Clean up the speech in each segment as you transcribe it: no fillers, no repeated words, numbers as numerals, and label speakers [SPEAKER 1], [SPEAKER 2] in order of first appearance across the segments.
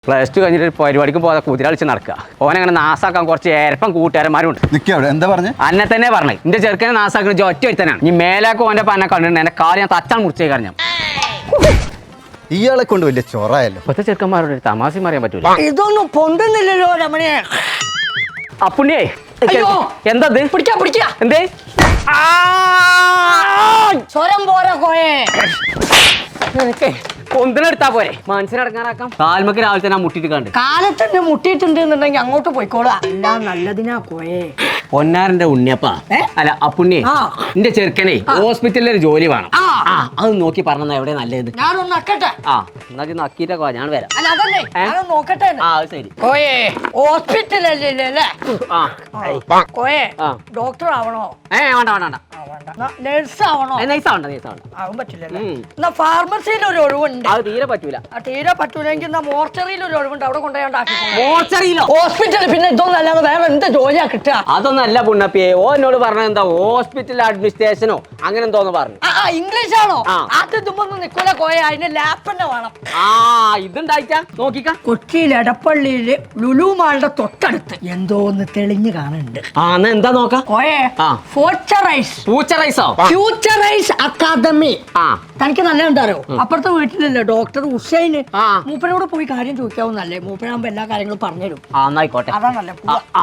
[SPEAKER 1] Plus two കഴിഞ്ഞിട്ട് പരിപാടിക്ക് പോകാതെ കുതിര കളിച്ച് നടക്കുക. ഓനങ്ങനെ നാസാക്കാൻ കുറച്ച് ഏരപ്പം കൂട്ടുകാരന്മാരുണ്ട്.
[SPEAKER 2] എന്താ പറഞ്ഞു?
[SPEAKER 1] അന്നെ തന്നെ പറഞ്ഞു എന്റെ ചെറുക്കനെ നാസാക്കുന്ന ഒറ്റ ഒരുത്തനാണ്. ഈ മേലാക്കും ഓന്റെ പന്നെ കണ്ടിട്ടുണ്ട്. എന്റെ കാല് ഞാൻ തച്ചാൻ മുറിച്ചേ കഴിഞ്ഞു.
[SPEAKER 2] ഇയാളെ കൊണ്ട് വലിയ ചൊറയല്ലോ.
[SPEAKER 1] ഇപ്പത്തെ ചെറുക്കന്മാരോട് തമാശ അറിയാൻ പറ്റൂല.
[SPEAKER 3] ഇതൊന്നും പൊന്തുന്നില്ലല്ലോ രമണിയെ.
[SPEAKER 1] അപ്പുണ്ണിയേ എന്താ എന്തേ
[SPEAKER 3] സ്വരം പോരാ കോയെ.
[SPEAKER 1] പൊന്തിനെടുത്താ പോരെ മനസ്സിനടങ്ങാനാക്കാം. കാൽമക്ക് രാവിലെ തന്നെ മുട്ടിട്ട് കണ്ട്
[SPEAKER 3] കാലത്തന്നെ മുട്ടിയിട്ടുണ്ട് എന്നുണ്ടെങ്കിൽ അങ്ങോട്ട് പോയിക്കോളാം. എല്ലാം നല്ലതിനാ കോയെ.
[SPEAKER 1] പൊന്നാരന്റെ ഉണ്ണിയപ്പ അല്ല അപ്പുണ്ണിയെ എന്റെ ചെറുക്കനെ ഹോസ്പിറ്റലിൽ ഒരു ജോലി വേണം. അത് നോക്കി പറഞ്ഞ എവിടെ നല്ലത്.
[SPEAKER 3] ഞാനൊന്ന് നക്കട്ടെ.
[SPEAKER 1] എന്നാ നക്കിട്ടൊക്കെ ഞാൻ വരാം.
[SPEAKER 3] അല്ല അതല്ലേ ഞാനൊന്ന് നോക്കട്ടെ.
[SPEAKER 1] ശരി
[SPEAKER 3] കോയെ ഹോസ്പിറ്റലല്ലേ കോയെ ഡോക്ടർ ആവണോ?
[SPEAKER 1] വേണ്ട
[SPEAKER 3] നഴ്സ് ആവണോ? ആവാൻ പറ്റില്ലല്ലേ. എന്നാ ഫാർമസിയിൽ ഒരു ഒഴിവുണ്ട്.
[SPEAKER 1] അത് തീരെ പറ്റൂല.
[SPEAKER 3] തീരെ പറ്റൂലെങ്കിൽ എന്നാ മോർച്ചറിയിൽ ഒരു ഒഴിവുണ്ട്. അവിടെ കൊണ്ടുപോയി
[SPEAKER 1] മോർച്ചറിയിലോ?
[SPEAKER 3] ഹോസ്പിറ്റൽ പിന്നെ ഇതൊന്നും അല്ലാതെ വേറെ എന്ത് ജോലിയാ കിട്ടുക?
[SPEAKER 1] അതൊന്നല്ല പുണ്ണപ്പിയെ. ഓ എന്നോട് പറഞ്ഞത് എന്താ ഹോസ്പിറ്റൽ അഡ്മിനിസ്ട്രേഷനോ അങ്ങനെ എന്തോന്ന് പറഞ്ഞു.
[SPEAKER 3] ഇംഗ്ലീഷ് ആണോ? അത് ഇതുമ്പൊന്നും നിക്കൂല കോയ. അതിന് ലാപ്പ് തന്നെ വേണം.
[SPEAKER 1] ഇതുണ്ടായിട്ടാ നോക്കിക്ക.
[SPEAKER 3] കൊച്ചിയിൽ എടപ്പള്ളിയില് ലുലു മാളുടെ തൊട്ടടുത്ത് എന്തോന്ന് തെളിഞ്ഞു കാണുന്നുണ്ട്.
[SPEAKER 1] എന്താ നോക്കാം
[SPEAKER 3] കോയെ ഫ്യൂച്ചറൈസ് അക്കാദമി. തനിക്ക് നല്ല എന്താറോ അപ്പുറത്തെ വീട്ടിലല്ലേ ഡോക്ടർ ഹുസൈന്. മൂപ്പനോട് പോയി കാര്യം ചോദിക്കാവുന്നല്ലേ. മൂപ്പനാകുമ്പോ എല്ലാ കാര്യങ്ങളും പറഞ്ഞുതരും.
[SPEAKER 1] ആയിക്കോട്ടെ.
[SPEAKER 3] അതാണല്ലേ.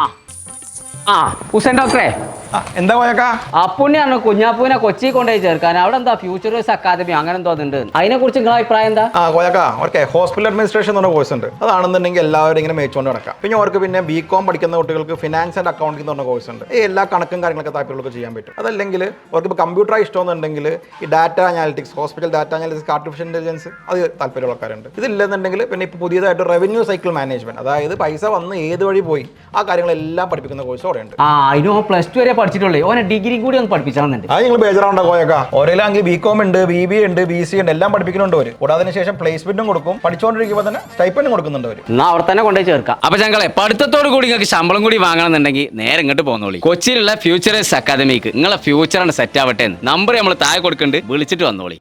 [SPEAKER 1] ഹുസൈൻ ഡോക്ടറെ
[SPEAKER 4] എന്താ പോയക്കാ?
[SPEAKER 1] അപ്പുണ്ണിയാണ് കുഞ്ഞാപ്പൂവിനെ കൊച്ചി കൊണ്ടുപോയി ചേർക്കാൻ. അവിടെ എന്താ ഫ്യൂച്ചറൈസ് അക്കാദമി അങ്ങനെ എന്തോ ഉണ്ട്. അതിനെ കുറിച്ച് നിങ്ങളെ അഭിപ്രായം എന്താ?
[SPEAKER 4] കോയക്കാ ഓക്കെ ഹോസ്പിറ്റൽ അഡ്മിനിസ്ട്രേഷൻ എന്ന് പറഞ്ഞ കോഴ്സ് ഉണ്ട്. അതാണെന്നുണ്ടെങ്കിൽ എല്ലാവരും ഇങ്ങനെ മേച്ചുകൊണ്ട് നടക്കാം. പിന്നെ അവർക്ക് പിന്നെ ബികോം പഠിക്കുന്ന കുട്ടികൾക്ക് ഫിനാൻസ് ആൻഡ് അക്കൗണ്ടിംഗ് എന്ന് പറഞ്ഞ കോഴ്സ് ഉണ്ട്. എല്ലാ കണക്കും കാര്യങ്ങളൊക്കെ താല്പര്യമുള്ളവർക്ക് ചെയ്യാൻ പറ്റും. അതല്ലെങ്കിൽ അവർക്ക് ഇപ്പോൾ കമ്പ്യൂട്ടർ ഇഷ്ടമെന്നുണ്ടെങ്കിൽ ഈ data analytics, hospital data analytics, artificial intelligence അത് താല്പര്യമുള്ള ആൾക്കാരുണ്ട്. ഇതില്ലെന്നുണ്ടെങ്കിൽ പിന്നെ ഇപ്പോൾ പുതിയതായിട്ട് റവന്യൂ സൈക്കിൾ മാനേജ്മെന്റ്, അതായത് പൈസ വന്ന് ഏത് വഴി പോയി ആ കാര്യങ്ങളെല്ലാം പഠിപ്പിക്കുന്ന കോഴ്സ് അവിടെ ഉണ്ട്.
[SPEAKER 1] അതിന് പ്ലസ് ടു വരെ പഠിച്ചിട്ടുള്ളേ. ഓനെ ഡിഗ്രി കൂടി ഒന്ന് പഠിപ്പിച്ചാണെന്നുണ്ട്.
[SPEAKER 4] അത് നിങ്ങൾ ബേജാറുണ്ടോ കോയക്കാ? ഓരോലാണെങ്കിൽ ബികോം ഉണ്ട്, BBA ഉണ്ട്, BC ഉണ്ട്, എല്ലാം പഠിപ്പിക്കുന്നുണ്ട് അവർ. കൂടാതെ ശേഷം പ്ലേസ്മെന്റും കൊടുക്കും. പഠിച്ചുകൊണ്ടിരിക്കുമ്പോൾ തന്നെ സ്റ്റൈപ്പൻഡും കൊടുക്കുന്നുണ്ട് അവർ.
[SPEAKER 1] എന്നാ അവിടെ തന്നെ കൊണ്ടുപോയി ചേർക്കാം. അപ്പൊ ഞങ്ങളെ പഠിത്തത്തോട് കൂടി നിങ്ങൾക്ക് ശമ്പളം കൂടി വാങ്ങണമെന്നുണ്ടെങ്കിൽ നേരെ ഇങ്ങോട്ട് പോന്നോളി. കൊച്ചിയിലുള്ള ഫ്യൂച്ചറൈസ് അക്കാദമിക്ക് നിങ്ങളെ ഫ്യൂച്ചറാണ് സെറ്റ് ആവട്ടെ. നമ്പർ നമ്മൾ താഴെ കൊടുക്കുന്നുണ്ട്, വിളിച്ചിട്ട് വന്നോളി.